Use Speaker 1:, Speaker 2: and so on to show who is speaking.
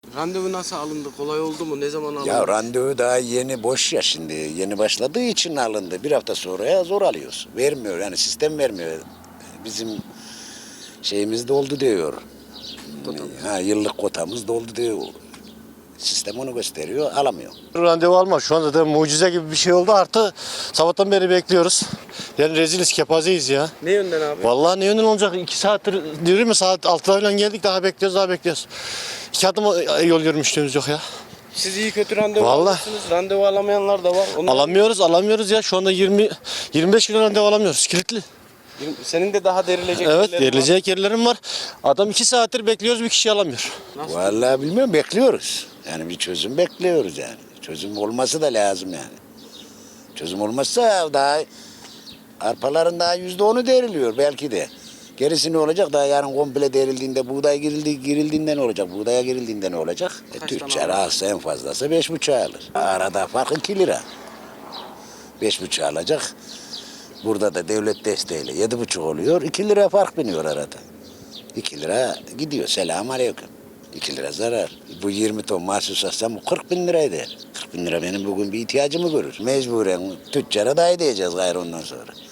Speaker 1: Randevu nasıl alındı? Kolay oldu mu? Ne zaman alındı?
Speaker 2: Ya randevu daha yeni boş ya şimdi. Yeni başladığı için alındı. Bir hafta sonraya zor alıyoruz. Vermiyor yani sistem vermiyor. Bizim şeyimiz doldu diyor. Ha, yıllık kotamız doldu diyor. Sistem onu gösteriyor, alamıyor.
Speaker 3: Randevu alma. Şu anda da mucize gibi bir şey oldu. Artı sabahtan beri bekliyoruz. Yani reziliz, kepazeyiz ya.
Speaker 1: Ne yönden abi?
Speaker 3: Vallahi ne yönden olacak? 2 saattir diyorum ya, saat 6'da falan geldik, daha bekliyoruz, daha bekliyoruz. 2 adım yol yürümüşlüğümüz yok ya.
Speaker 1: Siz iyi kötü randevu
Speaker 3: Vallahi.
Speaker 1: almışsınız. Randevu alamayanlar da var. Onlar...
Speaker 3: Alamıyoruz ya. Şu anda 25 kilo randevu alamıyoruz. Kilitli.
Speaker 1: Senin de daha derilecek
Speaker 3: Evet,
Speaker 1: yerlerin var.
Speaker 3: verilecek yerlerim var. Adam 2 saattir bekliyoruz, bir kişi alamıyor.
Speaker 1: Nasıl?
Speaker 2: Vallahi bilmiyorum, bekliyoruz. Yani bir çözüm bekliyoruz yani. Çözüm olması da lazım yani. Çözüm olmazsa daha arpaların daha %10'u deriliyor belki de. Gerisi ne olacak? Daha yarın komple derildiğinde buğday girildiğinde ne olacak? Buğdaya girildiğinde ne olacak? Tüccar alsa en fazlası 5,5 alır. Arada fark 2 lira. 5,5 alacak. Burada da devlet desteğiyle 7,5 oluyor. 2 lira fark biniyor arada. 2 lira gidiyor. Selamun aleyküm. 2 lira zarar. Bu 20 ton mahsus alsam bu 40 bin lira eder. 40 bin lira benim bugün bir ihtiyacımı görür. Mecburen tüccara da ödeyeceğiz gayrı ondan sonra.